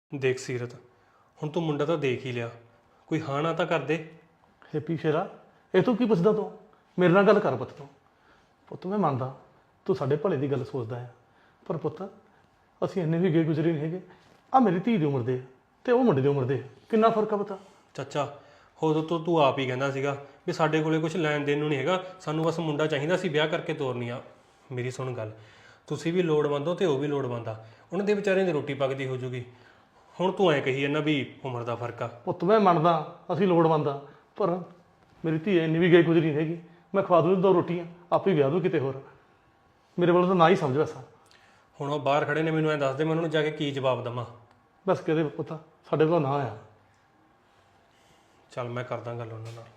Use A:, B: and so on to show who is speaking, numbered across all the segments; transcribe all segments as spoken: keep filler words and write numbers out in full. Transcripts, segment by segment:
A: ਦੇਖ ਸੀਰਤ, ਹੁਣ ਤੂੰ ਮੁੰਡਾ ਤਾਂ ਦੇਖ ਹੀ ਲਿਆ, ਕੋਈ ਹਾਂ ਨਾ ਤਾਂ ਕਰ ਦੇ।
B: ਹੈਪੀ ਸ਼ੇਰਾ, ਇਹ ਤੂੰ ਕੀ ਪੁੱਛਦਾ ਤੂੰ? ਮੇਰੇ ਨਾਲ ਗੱਲ ਕਰ ਪੁੱਤ ਤੂੰ। ਪੁੱਤ ਮੈਂ ਮੰਨਦਾ ਤੂੰ ਸਾਡੇ ਭਲੇ ਦੀ ਗੱਲ ਸੋਚਦਾ ਆ, ਪਰ ਪੁੱਤ ਅਸੀਂ ਇੰਨੇ ਵੀ ਗਏ ਗੁਜ਼ਰੇ ਨਹੀਂ ਹੈਗੇ। ਆ ਮੇਰੀ ਧੀ ਦੀ ਉਮਰ ਦੇ ਆ ਤੇ ਉਹ ਮੁੰਡੇ ਦੀ ਉਮਰ ਦੇ ਆ, ਕਿੰਨਾ ਫਰਕ ਆ ਪਤਾ?
A: ਚਾਚਾ ਉਦੋਂ ਤੋਂ ਤੂੰ ਆਪ ਹੀ ਕਹਿੰਦਾ ਸੀਗਾ ਵੀ ਸਾਡੇ ਕੋਲੇ ਕੁਝ ਲੈਣ ਦੇਣ ਨੂੰ ਨਹੀਂ ਹੈਗਾ, ਸਾਨੂੰ ਬਸ ਮੁੰਡਾ ਚਾਹੀਦਾ ਸੀ, ਵਿਆਹ ਕਰਕੇ ਤੋਰਨੀ ਆ। ਮੇਰੀ ਸੁਣ ਗੱਲ, ਤੁਸੀਂ ਵੀ ਲੋੜਵੰਦ ਹੋ ਤੇ ਉਹ ਵੀ ਲੋੜਵੰਦ ਆ, ਉਹਨਾਂ ਦੇ ਵਿਚਾਰਿਆਂ ਦੀ ਰੋਟੀ ਪੱਕਦੀ ਹੋ ਜੂਗੀ। ਹੁਣ ਤੂੰ ਐਂ ਕਹੀ ਜਾਂਦਾ ਵੀ ਉਮਰ ਦਾ ਫਰਕ ਆ।
B: ਪੁੱਤ ਮੈਂ ਮੰਨਦਾ ਅਸੀਂ ਲੋੜਵੰਦ ਆ, ਪਰ ਮੇਰੀ ਧੀ ਇੰਨੀ ਵੀ ਗਈ ਗੁਜ਼ਰੀ ਨਹੀਂ ਹੈਗੀ। ਮੈਂ ਖਵਾ ਦੂੰ ਦੋ ਰੋਟੀਆਂ, ਆਪੇ ਵਿਆਹ ਦੂੰ ਕਿਤੇ ਹੋਰ। ਮੇਰੇ ਵੱਲੋਂ ਤਾਂ ਨਾ ਹੀ ਸਮਝ ਵੈਸਾ।
A: ਹੁਣ ਉਹ ਬਾਹਰ ਖੜੇ ਨੇ, ਮੈਨੂੰ ਐਂ ਦੱਸ ਦੇ ਮੈਂ ਉਹਨਾਂ ਨੂੰ ਜਾ ਕੇ ਕੀ ਜਵਾਬ ਦੇਵਾਂ।
B: ਬਸ ਕਿਹਦੇ ਪੁੱਤ ਸਾਡੇ ਕੋਲ ਨਾ ਆ।
A: ਚੱਲ ਮੈਂ ਕਰਦਾ ਗੱਲ ਉਹਨਾਂ ਨਾਲ।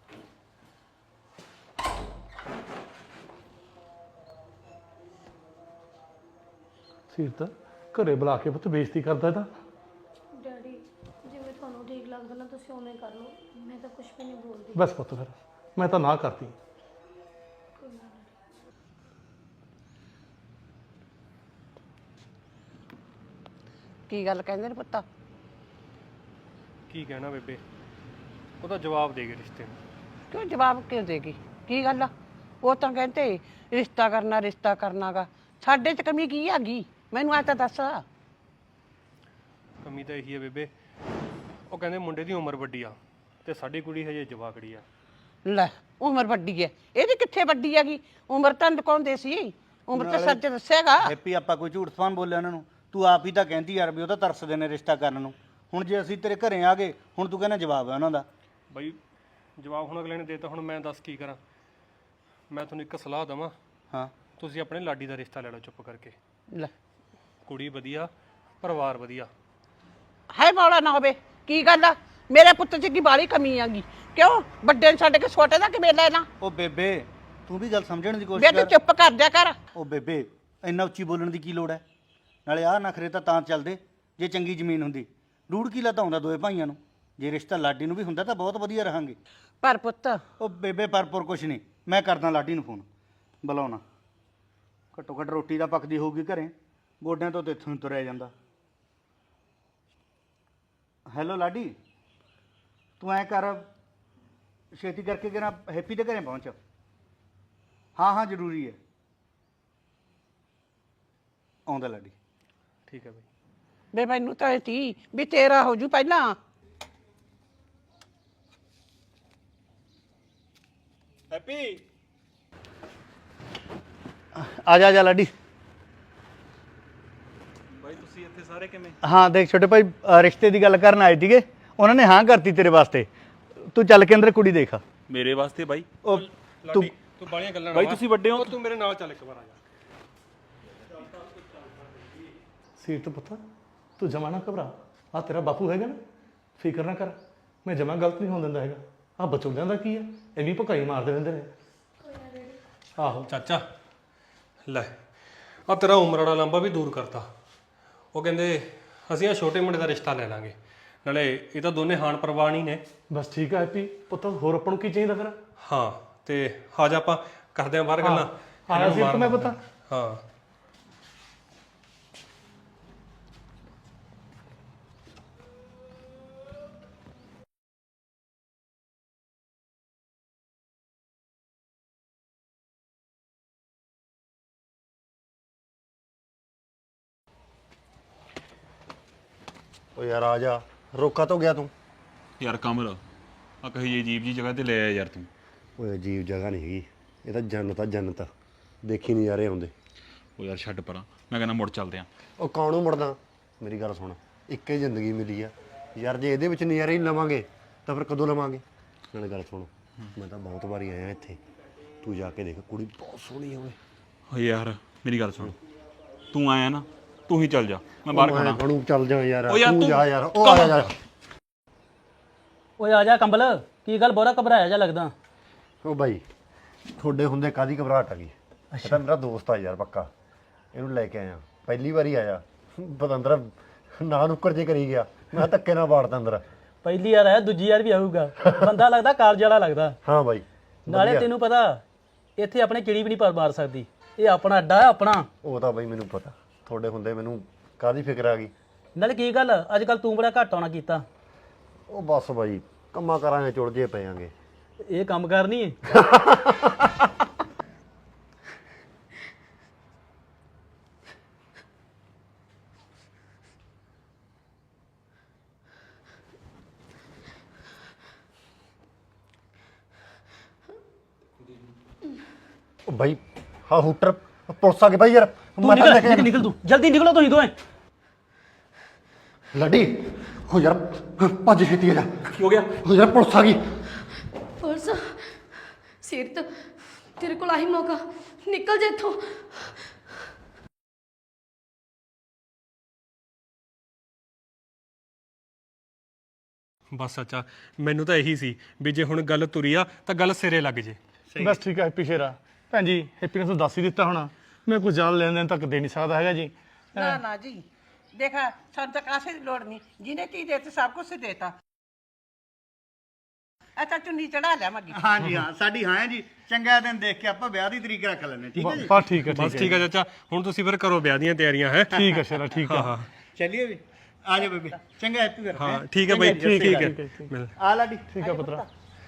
B: ਸੀਰਤ ਘਰੇ ਬੁਲਾ ਕੇ ਪੁੱਤ ਬੇਇੱਜ਼ਤੀ ਕਰਦਾ ਇਹਦਾ।
C: ਡੈਡੀ ਜਿਵੇਂ ਤੁਹਾਨੂੰ ਠੀਕ ਲੱਗਦਾ ਨਾ ਤੁਸੀਂ ਉਵੇਂ ਕਰ ਲਓ, ਮੈਂ ਤਾਂ ਕੁਝ ਵੀ ਨਹੀਂ ਬੋਲਦੀ।
B: ਬਸ ਪੁੱਤ ਫਿਰ ਮੈਂ ਤਾਂ ਨਾ ਕਰਤੀ।
C: ਕੋਈ ਨਾ ਡੈਡੀ।
D: ਕੀ ਗੱਲ ਕਹਿੰਦੇ ਨੇ ਪੁੱਤਾ?
A: ਕੀ ਕਹਿਣਾ ਬੇਬੇ, ਉਹਦਾ ਜਵਾਬ ਦੇ ਗਏ ਰਿਸ਼ਤੇ ਨੂੰ।
D: ਕਿਉਂ ਜਵਾਬ ਕਿਉਂ ਦੇਗੀ? ਕੀ ਗੱਲ ਆ? ਉਹ ਤਾਂ ਕਹਿੰਦੇ ਰਿਸ਼ਤਾ ਕਰਨਾ ਰਿਸ਼ਤਾ ਕਰਨਾਗਾ। ਸਾਡੇ 'ਚ ਕਮੀ ਕੀ ਹੈਗੀ? ਮੈਨੂੰ ਆ ਤਾਂ ਦੱਸ।
A: ਕਮੀ ਤਾਂ ਇਹੀ ਹੈ ਬੇਬੇ, ਉਹ ਕਹਿੰਦੇ ਮੁੰਡੇ ਦੀ ਉਮਰ ਵੱਡੀ ਆ ਤੇ ਸਾਡੀ ਕੁੜੀ ਹਜੇ ਜਵਾਕੜੀ ਆ।
D: ਲੈ ਉਮਰ ਵੱਡੀ ਹੈ, ਇਹਦੀ ਕਿੱਥੇ ਵੱਡੀ ਹੈਗੀ? ਉਮਰ ਤਾਂ ਲੁਕਾਉਂਦੇ ਸੀ, ਉਮਰ ਤਾਂ ਸੱਚ ਦੱਸੇਗਾ।
E: ਹੈਪੀ ਆਪਾਂ ਕੋਈ ਝੂਠ ਸਵਾਨ ਬੋਲਿਆ ਉਹਨਾਂ ਨੂੰ? ਤੂੰ ਆਪ ਹੀ ਤਾਂ ਕਹਿੰਦੀ ਯਾਰ ਵੀ ਉਹ ਤਾਂ ਤਰਸਦੇ ਨੇ ਰਿਸ਼ਤਾ ਕਰਨ ਨੂੰ। ਹੁਣ ਜੇ ਅਸੀਂ ਤੇਰੇ ਘਰੇ ਆ ਗਏ, ਹੁਣ ਤੂੰ ਕਹਿੰਦਾ ਜਵਾਬ ਹੈ ਉਹਨਾਂ ਦਾ।
A: ਬਈ ਜਵਾਬ ਹੁਣ ਅਗਲੇ ਨੇ ਦੇਤਾ, ਹੁਣ ਮੈਂ ਦੱਸ ਕੀ ਕਰਾਂ। ਮੈਂ ਤੁਹਾਨੂੰ ਇੱਕ ਸਲਾਹ ਦੇਵਾਂ,
E: ਹਾਂ
A: ਤੁਸੀਂ ਆਪਣੇ ਲਾਡੀ ਦਾ ਰਿਸ਼ਤਾ ਲੈ ਲਓ ਚੁੱਪ ਕਰਕੇ।
D: ਲੈ
A: ਕੁੜੀ ਵਧੀਆ, ਪਰਿਵਾਰ ਵਧੀਆ।
D: ਹੈ ਬੌਲਾ ਨਾ ਹੋਵੇ। ਕੀ ਗੱਲ ਆ? ਮੇਰੇ ਪੁੱਤ 'ਚ ਕੀ ਬਾਲੀ ਕਮੀ ਆਗੀ? ਕਿਉਂ ਵੱਡੇ ਨੂੰ ਛੱਡ ਕੇ ਛੋਟੇ ਦਾ ਕਿਵੇਂ ਲੈਣਾ?
E: ਉਹ ਬੇਬੇ ਤੂੰ ਵੀ ਗੱਲ ਸਮਝਣ ਦੀ
D: ਵੇ
E: ਕੋਸ਼ਿਸ਼
D: ਤੂੰ
E: ਕਰ।
D: ਚੁੱਪ ਕਰ ਜਾ ਕਰ।
E: ਉਹ ਬੇਬੇ ਇੰਨਾ ਉੱਚੀ ਬੋਲਣ ਦੀ ਕੀ ਲੋੜ ਹੈ? ਨਾਲੇ ਆਹ ਨਖਰੇ ਤਾਂ ਤਾਂ ਚੱਲਦੇ ਜੇ ਚੰਗੀ ਜ਼ਮੀਨ ਹੁੰਦੀ। ਰੂੜ ਕੀ ਤਾਂ ਹੁੰਦਾ ਦੋਏ ਭਾਈਆਂ ਨੂੰ। ਜੇ ਰਿਸ਼ਤਾ ਲਾਡੀ ਨੂੰ ਵੀ ਹੁੰਦਾ ਤਾਂ ਬਹੁਤ ਵਧੀਆ ਰਹਾਂਗੇ।
D: ਪਰ ਪੁੱਤ
E: ਉਹ ਬੇਬੇ ਪਰਪੁਰ ਕੁਛ ਨਹੀਂ, ਮੈਂ ਕਰਦਾ ਲਾਡੀ ਨੂੰ ਫੋਨ, ਬੁਲਾਉਣਾ। ਘੱਟੋ ਘੱਟ ਰੋਟੀ ਤਾਂ ਪੱਕਦੀ ਹੋਊਗੀ ਘਰੇ, ਗੋਡਿਆਂ ਤੋਂ ਤੇ ਇੱਥੋਂ ਹੀ ਤੁਰਿਆ ਜਾਂਦਾ। ਹੈਲੋ ਲਾਡੀ, ਤੂੰ ਐਂ ਕਰ ਛੇਤੀ ਕਰਕੇ ਕਿਹੜਾ ਹੈਪੀ ਦੇ ਘਰੇ ਪਹੁੰਚ। ਹਾਂ ਹਾਂ ਜ਼ਰੂਰੀ ਹੈ। ਆਉਂਦਾ ਲਾਡੀ।
A: ਠੀਕ ਹੈ ਬਈ।
D: ਵੇ ਮੈਨੂੰ ਤਾਂ ਇਹ ਤੀ ਵੀ ਤੇਰਾ ਹੋ ਜੂ ਪਹਿਲਾਂ।
A: ਹੈਪੀ
E: ਆ ਜਾ ਆ ਜਾ ਲਾਡੀ।
A: ਬਾਈ ਤੁਸੀਂ ਇੱਥੇ ਸਾਰੇ ਕਿਵੇਂ?
E: ਹਾਂ ਦੇਖ ਛੋਟੇ ਭਾਈ, ਅ, ਰਿਸ਼ਤੇ ਦੀ ਗੱਲ ਕਰਨ ਆਏ ਸੀਗੇ, ਉਹਨਾਂ ਨੇ ਹਾਂ ਕਰਤੀ ਤੇਰੇ ਵਾਸਤੇ। ਤੂੰ ਚੱਲ ਕੇ ਅੰਦਰ ਕੁੜੀ ਦੇਖ।
F: ਮੇਰੇ ਵਾਸਤੇ ਬਾਈ?
E: ਉਹ ਤੂੰ
A: ਲਾਡੀ ਤੂੰ ਬਾਲੀਆਂ ਗੱਲਾਂ ਨਾ
F: ਬਾਈ
A: ਮਾਰ।
F: ਤੁਸੀਂ ਵੱਡੇ ਹੋ।
A: ਉਹ ਤੂੰ ਮੇਰੇ ਨਾਲ ਚੱਲ ਇੱਕ ਵਾਰ ਆ ਜਾ।
B: ਸੀਰਤ ਪੁੱਤ ਤੂੰ ਜਮਾ ਨਾ ਘਬਰਾ। ਆ ਤੇਰਾ ਬਾਪੂ ਹੈਗਾ ਨਾ, ਫਿਕਰ ਨਾ ਕਰ। ਮੈਂ ਜਮਾ ਗਲਤ ਨਹੀਂ ਹੋਣ ਦਿੰਦਾ ਹੈਗਾ। ਆ ਬਚੋਲਿਆਂ ਦਾ ਕੀ ਆ, ਐਵੇਂ ਭਕਾਈ ਮਾਰਦੇ ਰਹਿੰਦੇ ਨੇ। ਆਹੋ
A: ਚਾਚਾ ਲੈ ਆ ਤੇਰਾ ਉਮਰ ਵਾਲਾ ਲੰਬਾ ਵੀ ਦੂਰ ਕਰਤਾ। ਉਹ ਕਹਿੰਦੇ ਅਸੀਂ ਆ ਛੋਟੇ ਮੁੰਡੇ ਦਾ ਰਿਸ਼ਤਾ ਲੈ ਲਾਂਗੇ, ਨਾਲੇ ਇਹ ਤਾਂ ਦੋਨੇ ਹਾਨ ਪ੍ਰਵਾਨ ਹੀ ਨੇ।
B: ਬਸ ਠੀਕ ਆ ਹੈਪੀ ਪੁੱਤ, ਹੋਰ ਆਪਾਂ ਨੂੰ ਕੀ ਚਾਹੀਦਾ ਫਿਰ?
A: ਹਾਂ ਤੇ ਆ ਜਾ ਆਪਾਂ ਕਰਦੇ ਆਂ ਬਾਹਰ ਗੱਲਾਂ।
B: ਆਇਆ ਸੀਰਤ ਮੈਂ ਪੁੱਤ।
A: ਹਾਂ
G: ਓ ਯਾਰ ਆ ਜਾ, ਰੋਕਾ ਤੋਂ ਗਿਆ ਤੂੰ?
F: ਯਾਰ ਕਮਲ ਆ ਕਹੀ ਜੀ ਅਜੀਬ ਜੀ ਜਗ੍ਹਾ ਤੇ ਲੈ ਆਇਆ ਯਾਰ ਤੂੰ।
G: ਓਏ ਅਜੀਬ ਜਗ੍ਹਾ ਨਹੀਂ ਹੈਗੀ, ਇਹ ਤਾਂ ਜੰਨਤ ਆ ਜੰਨਤ। ਦੇਖੀ ਨਜ਼ਾਰੇ ਆਉਂਦੇ।
F: ਉਹ ਯਾਰ ਛੱਡ ਪਰਾਂ, ਮੈਂ ਕਹਿੰਦਾ ਮੁੜ ਚੱਲਦੇ ਆਂ।
G: ਉਹ ਕਾਹਨੂੰ ਮੁੜਦਾ? ਮੇਰੀ ਗੱਲ ਸੁਣ, ਇੱਕ ਹੀ ਜ਼ਿੰਦਗੀ ਮਿਲੀ ਆ ਯਾਰ, ਜੇ ਇਹਦੇ ਵਿੱਚ ਨਜ਼ਾਰੇ ਹੀ ਲਵਾਂਗੇ ਤਾਂ ਫਿਰ ਕਦੋਂ ਲਵਾਂਗੇ? ਨਾਲੇ ਗੱਲ ਸੁਣ, ਮੈਂ ਤਾਂ ਬਹੁਤ ਵਾਰੀ ਆਇਆ ਇੱਥੇ, ਤੂੰ ਜਾ ਕੇ ਦੇਖ, ਕੁੜੀ ਬਹੁਤ ਸੋਹਣੀ ਆ ਓਏ।
F: ਓ ਯਾਰ ਮੇਰੀ ਗੱਲ ਸੁਣ, ਤੂੰ ਆਇਆ ਨਾ, ਤੂੰ ਹੀ ਚੱਲ ਜਾ, ਮੈਂ ਬਾਹਰ ਖੜਾ।
G: ਖੜੂ ਚੱਲ ਜਾ ਯਾਰ,
F: ਓ ਯਾਰ
G: ਤੂੰ
F: ਤੂੰ-
G: ਜਾ ਯਾਰ। ਉਹ ਆ ਜਾ
H: ਓਏ ਆ ਜਾ ਕੰਬਲ, ਕੀ ਗੱਲ ਬੋਰਾ ਘਬਰਾਇਆ ਜਾ ਲੱਗਦਾ?
G: ਉਹ ਬਾਈ ਤੁਹਾਡੇ ਹੁੰਦੇ ਕਾਦੀ ਘਬਰਾਹਟ ਆ ਗਈ? ਇਹ ਤਾਂ ਮੇਰਾ ਦੋਸਤ ਆ ਯਾਰ ਪੱਕਾ, ਇਹਨੂੰ ਲੈ ਕੇ ਆਇਆ, ਪਹਿਲੀ ਵਾਰੀ ਆਇਆ। ਬਤੰਦਰ ਨਾ ਨੁੱਕਰ ਜੇ ਕਰੀ ਗਿਆ, ਮੈਂ ਧੱਕੇ ਨਾਲ ਵਾੜਦਾ ਅੰਦਰ।
H: ਪਹਿਲੀ ਵਾਰ ਆਇਆ, ਦੂਜੀ ਵਾਰ ਵੀ ਆਊਗਾ। ਬੰਦਾ ਲੱਗਦਾ ਕਾਲਜ ਵਾਲਾ ਲੱਗਦਾ।
G: ਹਾਂ ਬਾਈ
H: ਨਾਲੇ
G: ਵਧੀਆ।
H: ਤੈਨੂੰ ਪਤਾ ਇੱਥੇ ਆਪਣੇ ਚਿੜੀ ਵੀ ਨਹੀਂ ਪਰ ਮਾਰ ਸਕਦੀ, ਇਹ ਆਪਣਾ ਅੱਡਾ ਹੈ ਆਪਣਾ।
G: ਉਹ ਤਾਂ ਬਾਈ ਮੈਨੂੰ ਪਤਾ, ਤੁਹਾਡੇ ਹੁੰਦੇ ਮੈਨੂੰ ਕਾਦੀ ਫਿਕਰ ਆ ਗਈ।
H: ਨਾਲੇ ਕੀ ਗੱਲ ਅੱਜ ਕੱਲ ਤੂੰ ਬੜਾ ਘੱਟ ਆਉਣਾ ਕੀਤਾ।
G: ਉਹ ਬਸ ਬਾਈ ਕੰਮਾਂ ਕਰਾਂਗੇ ਚੁਲਝੇ ਪਏਾਂਗੇ।
H: ਇਹ ਕੰਮ ਕਰਨੀ ਹੈ।
G: ਉਹ ਬਾਈ ਹਾਂ ਹੂਟਰ ਪੁਲਿਸ ਆ ਗਏ ਬਾਈ ਯਾਰ
H: ਤੂੰ
G: ਮੈਂ ਤਾਂ
H: ਨਿਕਲ
G: ਲੈ ਕੇ
H: ਨਿਕਲ ਨਿਕਲ ਤੂੰ ਜਲਦੀ ਨਿਕਲੋ ਤੁਸੀਂ ਦੋਵੇਂ।
G: ਲੱਡੀ ਹੋ ਯਾਰ ਭੱਜ ਛੇਤੀ ਆ ਜਾ।
H: ਕੀ ਹੋ ਗਿਆ?
G: ਹੋ ਯਾਰ ਪੁਲਿਸ ਆ ਗਈ।
C: ਪੁਲਿਸ ਸੀਰਤ ਤੇਰੇ ਕੋਲ ਆਹੀ ਮੌਕਾ, ਨਿਕਲ ਜਾ ਇੱਥੋਂ।
A: ਬਸ ਚਾਚਾ ਮੈਨੂੰ ਤਾਂ ਇਹੀ ਸੀ ਵੀ ਜੇ ਹੁਣ ਗੱਲ ਤੁਰੀ ਆ ਤਾਂ ਗੱਲ ਸਿਰੇ ਲੱਗ ਜੇ।
B: ਬਸ ਠੀਕ ਹੈ ਹੈਪੀ ਸ਼ੇਰਾ। ਭੈਣ ਜੀ ਹੈਪੀ ਨੇ ਤੁਹਾਨੂੰ ਦੱਸ ਹੀ ਦਿੱਤਾ ਹੋਣਾ, ਮੈਂ ਕੁਝ ਜ਼ਿਆਦਾ ਲੈਣ ਦੇਣ ਤੱਕ ਦੇ ਨਹੀਂ ਸਕਦਾ ਹੈਗਾ ਜੀ।
D: ਨਾ ਨਾ ਜੀ ਦੇਖਾ ਸਾਨੂੰ ਤਾਂ ਕਾਸੇ ਦੀ ਲੋੜ ਨਹੀਂ, ਜਿਹਨੇ ਤੀ ਦੇਤੇ ਸਭ ਕੁਝ ਦੇਤਾ। ਅੱਛਾ ਚੁੰਨੀ ਚੜਾ ਲਿਆ ਮੱਗੀ।
E: ਹਾਂਜੀ ਹਾਂ ਸਾਡੀ ਹਾਂ ਹੈ ਜੀ। ਚੰਗਾ ਦਿਨ ਦੇਖ ਕੇ ਆਪਾਂ ਵਿਆਹ ਦੀ ਤਰੀਕ ਰੱਖ ਲੈਂਦੇ ਠੀਕ ਹੈ ਜੀ।
B: ਬਸ ਠੀਕ ਹੈ
A: ਬਸ
B: ਠੀਕ
A: ਠੀਕ ਆ ਚਾਚਾ, ਹੁਣ ਤੁਸੀਂ ਫਿਰ ਕਰੋ ਵਿਆਹ ਦੀਆਂ ਤਿਆਰੀਆਂ ਹੈ।
B: ਹੈ ਠੀਕ ਹੈ ਸ਼ੇਰਾ ਠੀਕ ਹੈ।
E: ਚੱਲੀਏ ਵੀ ਆ ਜਾ ਬੇਬੇ। ਚੰਗਾ ਹੈਪੀ ਫਿਰ
A: ਹਾਂ ਠੀਕ ਹੈ ਬਾਈ ਠੀਕ
B: ਠੀਕ
A: ਹੈ
B: ਹੈ
A: ਮਿਲ।
E: ਆ ਲਾਡੀ
B: ਠੀਕ ਹੈ ਪੁੱਤਰਾ।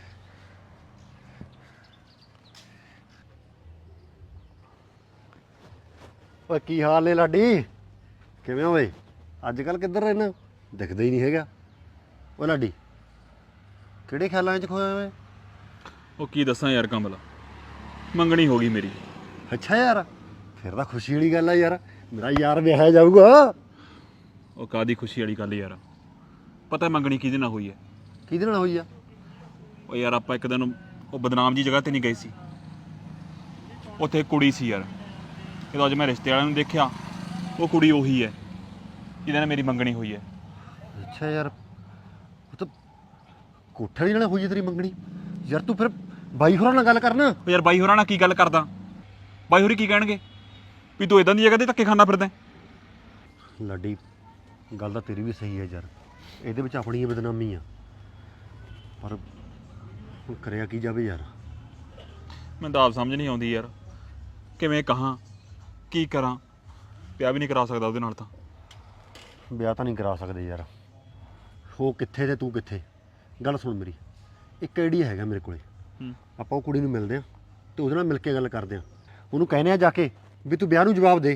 G: ਓਏ ਕੀ ਹਾਲ ਨੇ ਲਾਡੀ? ਕਿਵੇਂ ਓਏ? ਅੱਜ ਕੱਲ ਕਿੱਧਰ ਰਹਿਣਾ? ਦਿਖਦਾ ਹੀ ਨਹੀਂ ਹੈਗਾ। ਓ ਲਾਡੀ ਕਿਹੜੇ ਖਿਆਲਾਂ 'ਚ ਖੋਇਆ ਓਏ?
F: ਉਹ ਕੀ ਦੱਸਾਂ ਯਾਰ ਕਮਲ, ਮੰਗਣੀ ਹੋ ਗਈ ਮੇਰੀ।
G: ਅੱਛਾ ਯਾਰ ਫਿਰ ਤਾਂ ਖੁਸ਼ੀ ਵਾਲੀ ਗੱਲ ਆ ਯਾਰ, ਮੇਰਾ ਯਾਰ ਵਿਆਹਿਆ ਜਾਊਗਾ।
F: ਉਹ ਕਾਦੀ ਖੁਸ਼ੀ ਵਾਲੀ ਗੱਲ ਯਾਰ, ਪਤਾ ਮੰਗਣੀ ਕਿਹਦੇ ਨਾਲ ਹੋਈ ਹੈ?
G: ਕਿਹਦੇ ਨਾਲ ਹੋਈ ਆ?
F: ਉਹ ਯਾਰ ਆਪਾਂ ਇੱਕ ਦਿਨ ਉਹ ਬਦਨਾਮ ਜੀ ਜਗ੍ਹਾ ਤੇ ਨਹੀਂ ਗਏ ਸੀ, ਉੱਥੇ ਕੁੜੀ ਸੀ ਯਾਰ। ਜਦੋਂ ਅੱਜ ਮੈਂ ਰਿਸ਼ਤੇ ਵਾਲਿਆਂ ਨੂੰ ਦੇਖਿਆ, ਉਹ ਕੁੜੀ ਉਹੀ ਹੈ ਜਿਹਦੇ ਨਾਲ ਮੇਰੀ ਮੰਗਣੀ ਹੋਈ ਹੈ।
G: ਅੱਛਾ ਯਾਰ ਉਹ ਤਾਂ ਕੋਠੇ ਵਾਲੀ ਨਾਲ ਹੋਈ ਆ ਤੇਰੀ ਮੰਗਣੀ? ਯਾਰ ਤੂੰ ਫਿਰ ਬਾਈ ਹੋਰਾਂ ਨਾਲ ਗੱਲ ਕਰਨਾ।
F: ਉਹ ਯਾਰ ਬਾਈ ਹੋਰਾਂ ਨਾਲ ਕੀ ਗੱਲ ਕਰਦਾ? ਬਾਈ ਹੋਰੀ ਕੀ ਕਹਿਣਗੇ ਵੀ ਤੂੰ ਇਦਾਂ ਦੀ ਜਗ੍ਹਾ ਤੇ ਧੱਕੇ ਖਾਂਦਾ ਫਿਰਦਾ?
G: ਲਾਡੀ ਗੱਲ ਤਾਂ ਤੇਰੀ ਵੀ ਸਹੀ ਹੈ ਯਾਰ, ਇਹਦੇ ਵਿੱਚ ਆਪਣੀ ਹੀ ਬਦਨਾਮੀ ਆ, ਪਰ ਹੁਣ ਕਰਿਆ ਕੀ ਜਾਵੇ ਯਾਰ।
F: ਮੈਨੂੰ ਤਾਂ ਆਪ ਸਮਝ ਨਹੀਂ ਆਉਂਦੀ ਯਾਰ, ਕਿਵੇਂ ਕਹਾਂ ਕੀ ਕਰਾਂ। ਵਿਆਹ ਵੀ ਨਹੀਂ ਕਰਾ ਸਕਦਾ ਉਹਦੇ ਨਾਲ ਤਾਂ।
G: ਵਿਆਹ ਤਾਂ ਨਹੀਂ ਕਰਾ ਸਕਦੇ ਯਾਰ, ਉਹ ਕਿੱਥੇ ਤੇ ਤੂੰ ਕਿੱਥੇ। ਗੱਲ ਸੁਣ ਮੇਰੀ, ਇੱਕ ਆਈਡੀਆ ਹੈਗਾ ਮੇਰੇ ਕੋਲੇ।
F: ਹੂੰ।
G: ਆਪਾਂ ਉਹ ਕੁੜੀ ਨੂੰ ਮਿਲਦੇ ਹਾਂ ਤੇ ਉਹਦੇ ਨਾਲ ਮਿਲ ਕੇ ਗੱਲ ਕਰਦੇ ਹਾਂ, ਉਹਨੂੰ ਕਹਿੰਦੇ ਆ ਜਾ ਕੇ ਵੀ ਤੂੰ ਵਿਆਹ ਨੂੰ ਜਵਾਬ ਦੇ।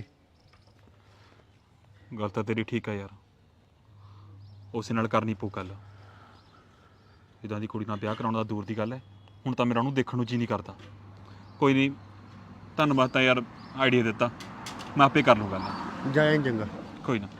F: ਗੱਲ ਤਾਂ ਤੇਰੀ ਠੀਕ ਹੈ ਯਾਰ, ਉਸੇ ਨਾਲ ਕਰਨੀ ਪਊ ਗੱਲ। ਇੱਦਾਂ ਦੀ ਕੁੜੀ ਨਾਲ ਵਿਆਹ ਕਰਾਉਣ ਦਾ ਦੂਰ ਦੀ ਗੱਲ ਹੈ, ਹੁਣ ਤਾਂ ਮੇਰਾ ਉਹਨੂੰ ਦੇਖਣ ਨੂੰ ਜੀ ਨਹੀਂ ਕਰਦਾ। ਕੋਈ ਨਹੀਂ, ਧੰਨਵਾਦ ਤਾਂ ਯਾਰ ਆਈਡੀਆ ਦਿੱਤਾ, ਮੈਂ ਆਪੇ ਕਰ ਲੂੰ ਗੱਲ।
G: ਜਾਇਆ ਚੰਗਾ।
F: ਕੋਈ ਨਾ।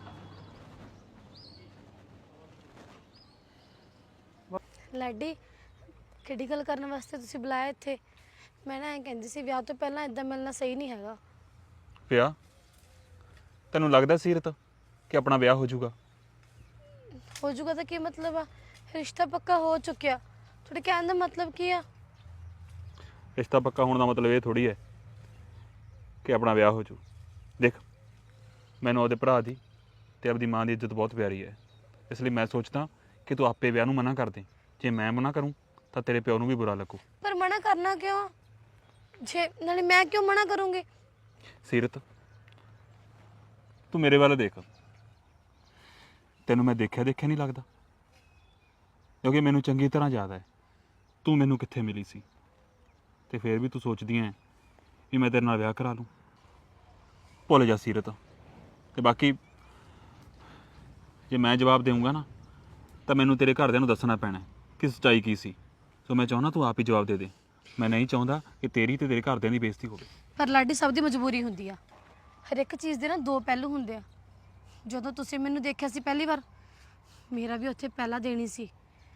C: ਲਾਡੀ ਕਿਹੜੀ ਗੱਲ ਕਰਨ ਵਾਸਤੇ ਤੁਸੀਂ ਬੁਲਾਇਆ ਇੱਥੇ? ਮੈਂ ਨਾ ਐਂ ਕਹਿੰਦੀ ਸੀ ਵਿਆਹ ਤੋਂ ਪਹਿਲਾਂ ਇਦਾਂ ਮਿਲਣਾ ਸਹੀ ਨਹੀਂ ਹੈਗਾ।
F: ਵਿਆਹ? ਤੈਨੂੰ ਲੱਗਦਾ ਸੀਰਤ ਕਿ ਆਪਣਾ ਵਿਆਹ ਹੋ ਜਾਊਗਾ?
C: ਹੋ ਜਾਊਗਾ ਤਾਂ ਕੀ ਮਤਲਬ ਆ? ਰਿਸ਼ਤਾ ਪੱਕਾ ਹੋ ਚੁੱਕਿਆ, ਤੁਹਾਡੇ ਕਹਿਣ ਦਾ ਮਤਲਬ ਕੀ ਆ?
F: ਰਿਸ਼ਤਾ ਪੱਕਾ ਹੋਣ ਦਾ ਮਤਲਬ ਇਹ ਥੋੜੀ ਹੈ ਕਿ ਆਪਣਾ ਵਿਆਹ ਹੋ ਜੂ। ਦੇਖ, ਮੈਨੂੰ ਉਹਦੇ ਭਰਾ ਦੀ ਤੇ ਆਪਦੀ ਮਾਂ ਦੀ ਇੱਜ਼ਤ ਬਹੁਤ ਪਿਆਰੀ ਹੈ, ਇਸ ਲਈ ਮੈਂ ਸੋਚਦਾ ਕਿ ਤੂੰ ਆਪੇ ਵਿਆਹ ਨੂੰ ਮਨਾ ਕਰ ਦੇ। ਜੇ ਮੈਂ ਮਨਾ ਕਰੂੰ ਤਾਂ ਤੇਰੇ ਪਿਓ ਨੂੰ ਵੀ ਬੁਰਾ ਲੱਗੂ।
C: ਪਰ ਮਨਾ ਕਰਨਾ ਕਿਉਂ? ਜੇ ਨਾਲੇ ਮੈਂ ਕਿਉਂ ਮਨਾ ਕਰੂੰਗੀ?
F: ਸੀਰਤ ਤੂੰ ਮੇਰੇ ਵੱਲ ਦੇਖ, ਤੈਨੂੰ ਮੈਂ ਦੇਖਿਆ ਦੇਖਿਆ ਨਹੀਂ ਲੱਗਦਾ? ਕਿਉਂਕਿ ਮੈਨੂੰ ਚੰਗੀ ਤਰ੍ਹਾਂ ਯਾਦ ਹੈ ਤੂੰ ਮੈਨੂੰ ਕਿੱਥੇ ਮਿਲੀ ਸੀ, ਤੇ ਫਿਰ ਵੀ ਤੂੰ ਸੋਚਦੀ ਐ ਵੀ ਮੈਂ ਤੇਰੇ ਨਾਲ ਵਿਆਹ ਕਰਾ ਲੂੰ। ਭੁੱਲ ਜਾ ਸੀਰਤ। ਤੇ ਬਾਕੀ ਜੇ ਮੈਂ ਜਵਾਬ ਦੇਵਾਂਗਾ ਨਾ ਤਾਂ ਮੈਨੂੰ ਤੇਰੇ ਘਰਦਿਆਂ ਨੂੰ ਦੱਸਣਾ ਪੈਣਾ ਕਿ ਸੱਚਾਈ ਕੀ ਸੀ। ਸੋ ਮੈਂ ਚਾਹੁੰਦਾ ਤੂੰ ਆਪ ਹੀ ਜਵਾਬ ਦੇ ਦੇ। ਮੈਂ ਨਹੀਂ ਚਾਹੁੰਦਾ ਕਿ ਤੇਰੀ ਤੇ ਤੇਰੇ ਘਰਦਿਆਂ ਦੀ ਬੇਇੱਜ਼ਤੀ ਹੋਵੇ।
C: ਪਰ ਲਾਡੀ ਸਭ ਦੀ ਮਜਬੂਰੀ ਹੁੰਦੀ ਆ, ਹਰ ਇੱਕ ਚੀਜ਼ ਦੇ ਨਾ ਦੋ ਪਹਿਲੂ ਹੁੰਦੇ ਆ। ਜਦੋਂ ਤੁਸੀਂ ਮੈਨੂੰ ਦੇਖਿਆ ਸੀ ਪਹਿਲੀ ਵਾਰ, ਮੇਰਾ ਵੀ ਉੱਥੇ ਪਹਿਲਾ ਦੇਣੀ ਸੀ।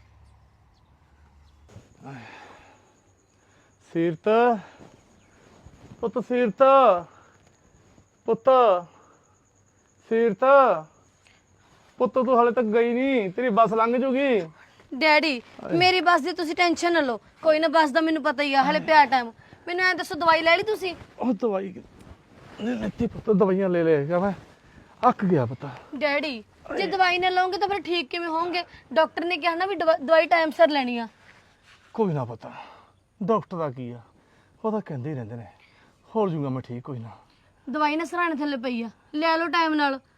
B: ਸੀਰਤ ਪੁੱਤ, ਸੀਰਤ ਪੁੱਤ, ਸੀਰਤ ਪੁੱਤ ਤੂੰ ਹਾਲੇ ਤੱਕ ਗਈ ਨਹੀਂ, ਤੇਰੀ ਬੱਸ ਲੰਘ ਜੂਗੀ।
C: ਡੈਡੀ ਮੇਰੀ ਬੱਸ ਦੀ ਤੁਸੀਂ ਟੈਨਸ਼ਨ ਨਾ ਲਓ, ਕੋਈ ਨਾ ਬੱਸ ਦਾ ਮੈਨੂੰ ਪਤਾ ਹੀ ਆ, ਹਲੇ ਪਿਆ ਟਾਈਮ। ਮੈਨੂੰ ਐਂ ਦੱਸੋ ਦਵਾਈ ਲੈ ਲਈ ਤੁਸੀਂ?
B: ਉਹ ਦਵਾਈ ਲੈ ਲੈਤੀ ਪੁੱਤ, ਦਵਾਈਆਂ ਲੈ ਲੈ ਮੈਂ ਅੱਕ ਗਿਆ ਪਤਾ।
C: ਡੈਡੀ ਜੇ ਦਵਾਈ ਨਾ ਲਓਗੇ ਤਾਂ ਫਿਰ ਠੀਕ ਕਿਵੇਂ ਹੋਵੋਗੇ? ਡਾਕਟਰ ਨੇ ਕਿਹਾ ਨਾ ਵੀ ਦਵਾ- ਦਵਾਈ ਟਾਈਮ ਸਿਰ ਲੈਣੀ ਆ।
B: ਕੋਈ ਨਾ ਪਤਾ ਡਾਕਟਰ ਦਾ ਕੀ ਆ, ਉਹ ਤਾਂ ਕਹਿੰਦੇ ਹੀ ਰਹਿੰਦੇ ਨੇ ਹੋ ਜੂਗਾ ਮੈਂ ਠੀਕ। ਕੋਈ ਨਾ
C: ਦਵਾਈ ਨਾ ਸਰਾਣੇ ਥੱਲੇ ਪਈ ਆ, ਲੈ ਲਓ ਟਾਈਮ ਨਾਲ।